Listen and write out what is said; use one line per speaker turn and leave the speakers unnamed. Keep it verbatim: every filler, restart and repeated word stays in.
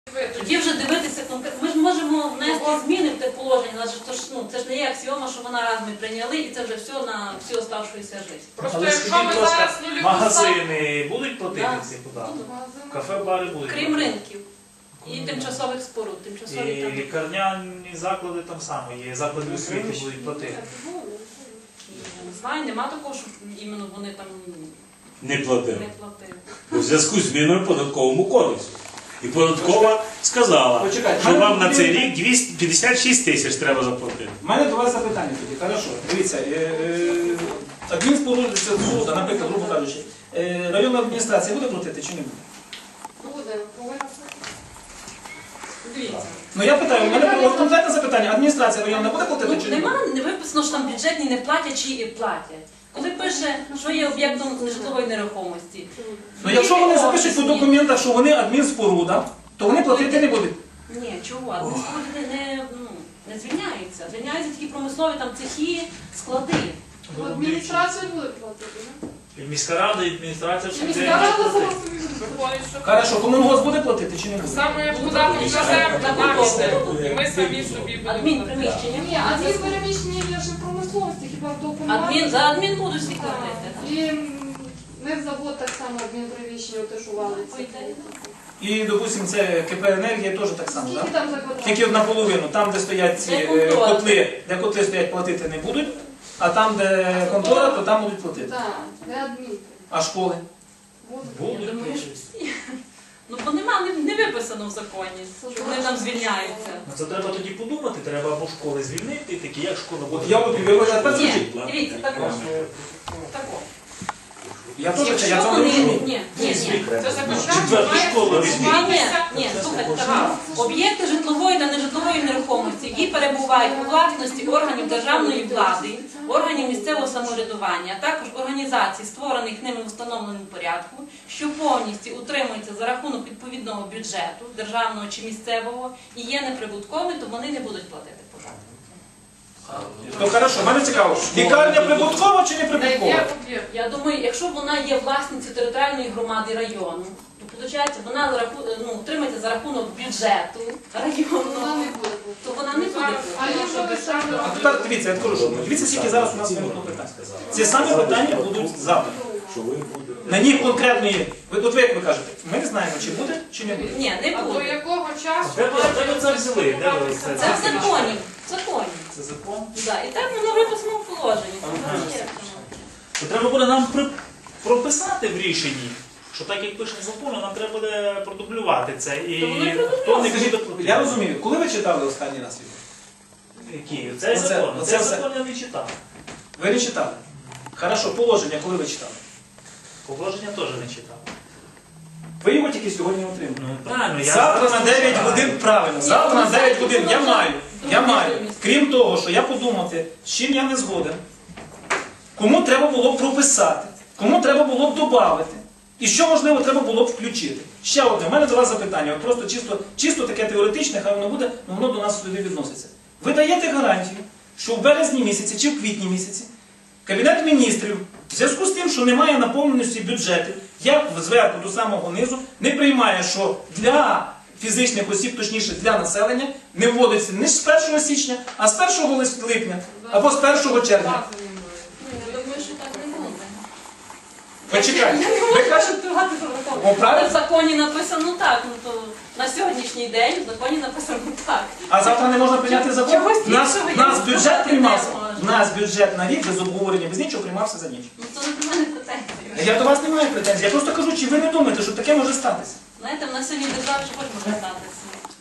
Тоді вже дивитися конкретно. Ми ж можемо внести зміни в те положення, але ж то ж, ну, це ж не є аксіома, що вона раз ми прийняли і це вже все на всю оставшуюся життя.
Просто
Але
якщо
скажіть,
ми
будь ласка,
зараз нуліву
магазини будуть платити
Да.
ці податки?
ставимо,
Кафе, бари будуть
Крім
платити?
ринків і тимчасових споруд. Тимчасові
І
там.
лікарняні заклади там само є, заклади освіти будуть платити.
Я не знаю, нема такого, щоб іменно вони там
Не платив.
не платили.
У зв'язку з зміною в податковому кодексу. І податкова сказала,
Почекайте,
що
мене
вам на
тут
цей
є-
рік двісті п'ятдесят шість тисяч треба заплатити.
У мене до вас запитання тоді. Хорошо. Дивіться, е, е, адмінспоруда, споруда, наприклад, грубо кажучи, е, районна адміністрація буде платити чи не буде?
буде, повинна.
Дивіться.
Ну я питаю, у мене от конкретне запитання. Адміністрація районна буде платити
Ну,
чи не буде?
нема, не виписано, що там бюджетні не платять чи і платять. Коли пише, що є об'єктом нежитлової нерухомості.
Ну якщо вони запишуть по документах, що вони адмінспоруда, то вони платити не будуть.
Ні, чого? Адмінспоруди не, не, ну, не звільняються. Звільняються такі промислові там цехи, склади.
Адміністрація буде платити, не?
І міська рада, і адміністрація все
Міська
буде
рада
платити.
сама собі виходить, що
Хорошо, комунгос буде платити чи не буде?
саме як податок за землю нам іде, і ми самі собі будемо
Адмін
платити.
приміщення.
Ні, адмін переміщення є вже в промисловості, хіба в
Адмін,
допомогі.
за адмін будуть всі платити.
І м, ми в завод так само адмінприміщення отишували.
І, допустимо, це КП «Енергія» теж так само,
Скільки
так?
там за квадрат?
Тільки наполовину, там, де стоять ці
Де
е,
контора.
котли, де котли стоять, платити не будуть, а там, де контора, то там будуть платити.
Так, де адмін.
А школи?
Буде.
Я думаю, що всі. Ну, бо нема, не, не виписано в законі, що вони там звільняються.
Ну, це треба тоді подумати, треба або школи звільнити, такі як школа
От
буде.
я от ви а тепер
Ні,
скажіть.
дивіться, тако. Тако.
Я теж це, я
Якщо
цього не
вони,
розумію.
ні, ні, ні.
Це закон
Четверту
має
школу візьміть.
Ні,
стосуватися.
ні, слухайте, так. Об'єкти житлової та нежитлової нерухомості, які перебувають у власності органів державної влади, органів місцевого самоврядування, а також організацій, створених ними в встановленому порядку, що повністю утримуються за рахунок відповідного бюджету, державного чи місцевого, і є неприбутковими, то вони не будуть платити податки.
То хорошо, мене цікаво, лікарня прибуткова чи не
Де
прибуткова?
є об'єкт.
Я думаю, якщо вона є власницею територіальної громади району, то виходить, вона за раху- ну, утримується за рахунок бюджету
Вона
районного,
не буде.
то вона не буде
А
платити.
якщо ви самі
А тепер дивіться, я скажу, що дивіться, скільки зараз у нас виникло питань. Ці самі питання будуть завтра. На них конкретно є. Ви, от ви як ви кажете, ми не знаємо, чи буде, чи не буде.
Ні, не
А до
буде.
якого часу
Де ви- де ви це взяли? Де ви
має
це-
Це в законі. В законі.
Це закон.
Да. І так воно виписано в положенні. Це є.
То треба буде нам при- прописати в рішенні, що так як пише закон, нам треба буде продублювати це. І
То воно і
хто не
Скажіть,
буде платити.
я розумію, коли ви читали останній раз його?
Які? Цей
Оце-
закон.
оце
Цей
все.
закон я не читав.
Ви не читали? Хорошо, положення, коли ви читали?
Положення теж не читав.
Ви його тільки сьогодні отримали.
Ну правильно, я
Завтра
зараз
на дев'ять
читаю.
годин правильно. Завтра на дев'ять годин я маю. Я маю. Крім того, що я подумати, з чим я не згоден, кому треба було б прописати, кому треба було б додати, і що, можливо, треба було б включити. Ще одне, в мене до вас запитання, от просто чисто, чисто таке теоретичне, хай воно буде, але воно до нас сюди відноситься. Ви даєте гарантію, що в березні місяці чи в квітні місяці Кабінет міністрів, в зв'язку з тим, що немає наповненості бюджету, як зверху до самого низу, не приймає, що для фізичних осіб, точніше для населення, не вводиться не з першого січня, а з першого липня або з першого червня.
бази не буде.
Ну, я думаю, що так не буде.
Почекайте, ви кажете, о,
Але
правильно?
в законі написано так, ну то на сьогоднішній день в законі написано так.
А завтра не можна прийняти закон?
Чогось
Нас,
іншого я
нас
не
бюджет
сказати
приймався,
не можу.
нас бюджет на рік без обговорення, без нічого приймався за ніч.
Ну то не до мене претензії.
Я до вас не маю претензій, я просто кажу, чи ви не думаєте, що таке може статися?
Знаєте, в нас сьогодні держава ж може статися.